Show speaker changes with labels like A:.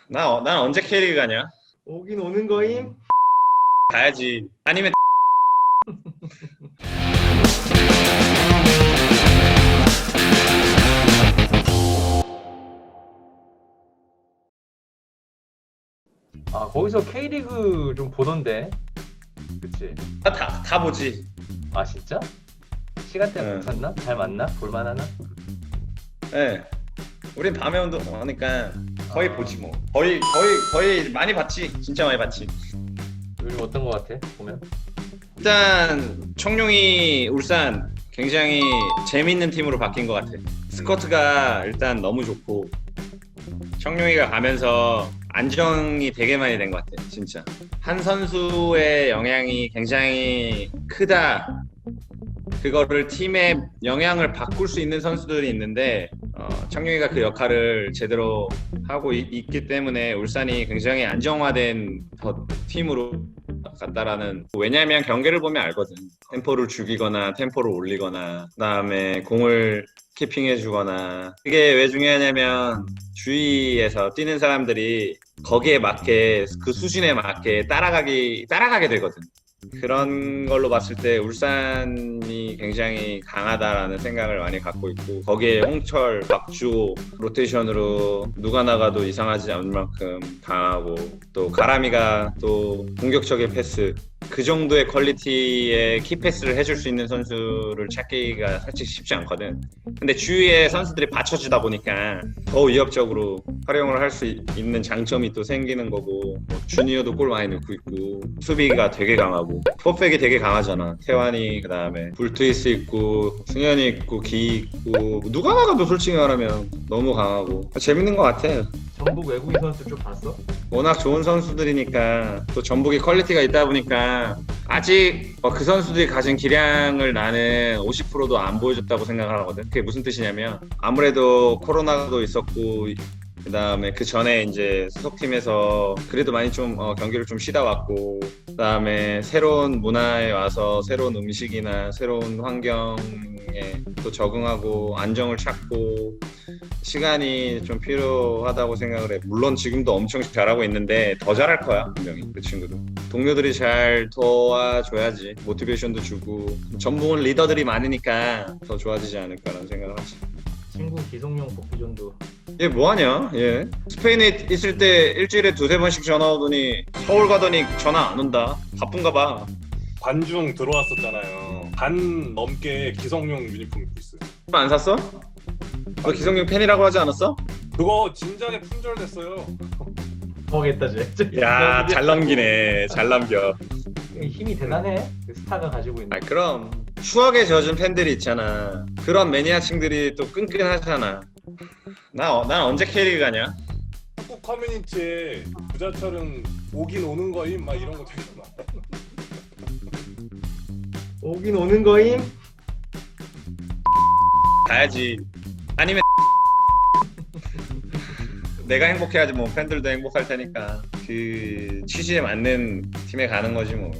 A: 난 언제 K리그 가냐?
B: 오긴 오는 거임?
A: 가야지. 아니면
B: 아, 거기서 K리그 좀 보던데. 그치?
A: 다 보지.
B: 아, 진짜? 시간대가
A: 응.
B: 괜찮나? 잘 맞나? 볼만하나?
A: 예. 우린 밤에 운동하니까 거의 보지 뭐. 거의 많이 봤지. 진짜 많이 봤지.
B: 요즘 어떤 거 같아? 보면?
A: 일단 청룡이 울산 굉장히 재밌는 팀으로 바뀐 것 같아. 스쿼트가 일단 너무 좋고 청룡이가 가면서 안정이 되게 많이 된 것 같아. 진짜 한 선수의 영향이 굉장히 크다. 그거를 팀의 영향을 바꿀 수 있는 선수들이 있는데 청룡이가 그 역할을 제대로 하고 있기 때문에 울산이 굉장히 안정화된 팀으로 같다라는. 왜냐하면 경기를 보면 알거든. 템포를 죽이거나 템포를 올리거나 그다음에 공을 키핑해주거나. 그게 왜 중요하냐면 주위에서 뛰는 사람들이 거기에 맞게 그 수준에 맞게 따라가게 되거든. 그런 걸로 봤을 때 울산이 굉장히 강하다라는 생각을 많이 갖고 있고, 거기에 홍철, 박주호 로테이션으로 누가 나가도 이상하지 않을 만큼 강하고, 또 가람이가 또 공격적인 패스, 그 정도의 퀄리티의 키패스를 해줄 수 있는 선수를 찾기가 사실 쉽지 않거든. 근데 주위에 선수들이 받쳐주다 보니까 더 위협적으로 활용을 할 수 있는 장점이 또 생기는 거고, 뭐 주니어도 골 많이 넣고 있고 수비가 되게 강하고 포백이 되게 강하잖아. 태환이, 그다음에 불트이스 있고 승현이 있고 기 있고 누가 나가도 솔직히 말하면 너무 강하고 재밌는 것 같아.
B: 전북 외국인 선수 좀 봤어?
A: 워낙 좋은 선수들이니까, 또 전북이 퀄리티가 있다 보니까 아직 그 선수들이 가진 기량을 나는 50%도 안 보여줬다고 생각을 하거든. 그게 무슨 뜻이냐면 아무래도 코로나도 있었고 그다음에 그 전에 이제 소속팀에서 그래도 많이 좀 경기를 좀 쉬다 왔고, 그다음에 새로운 문화에 와서 새로운 음식이나 새로운 환경에 또 적응하고 안정을 찾고 시간이 좀 필요하다고 생각을 해. 물론 지금도 엄청 잘하고 있는데 더 잘할 거야 분명히. 그 친구도 동료들이 잘 도와줘야지, 모티베이션도 주고. 전북은 리더들이 많으니까 더 좋아지지 않을까라는 생각을 하지.
B: 친구 기성용 복귀전도.
A: 얘 뭐하냐? 얘 스페인에 있을 때 일주일에 두세 번씩 전화 오더니 서울 가더니 전화 안 온다. 바쁜가 봐.
C: 관중 들어왔었잖아요. 반 넘게 기성용 유니폼 입고 있어요.
A: 안 샀어? 너 기성용 팬이라고 하지 않았어?
C: 그거 진작에 품절됐어요.
B: 더하겠다, 쟤.
A: 야, 잘 넘기네. 잘 넘겨.
B: 힘이 대단해. 그 스타가 가지고 있는.
A: 아, 그럼 추억에 젖은 팬들이 있잖아. 그런 매니아층들이 또 끈끈하잖아. 난 언제 K리그 가냐?
C: 한국 커뮤니티에 부자철은 오긴 오는 거임 막 이런 거 되게 많아.
B: 오긴 오는 거임?
A: 가야지. 아니면 내가 행복해야지 뭐. 팬들도 행복할 테니까 그 취지에 맞는 팀에 가는 거지 뭐.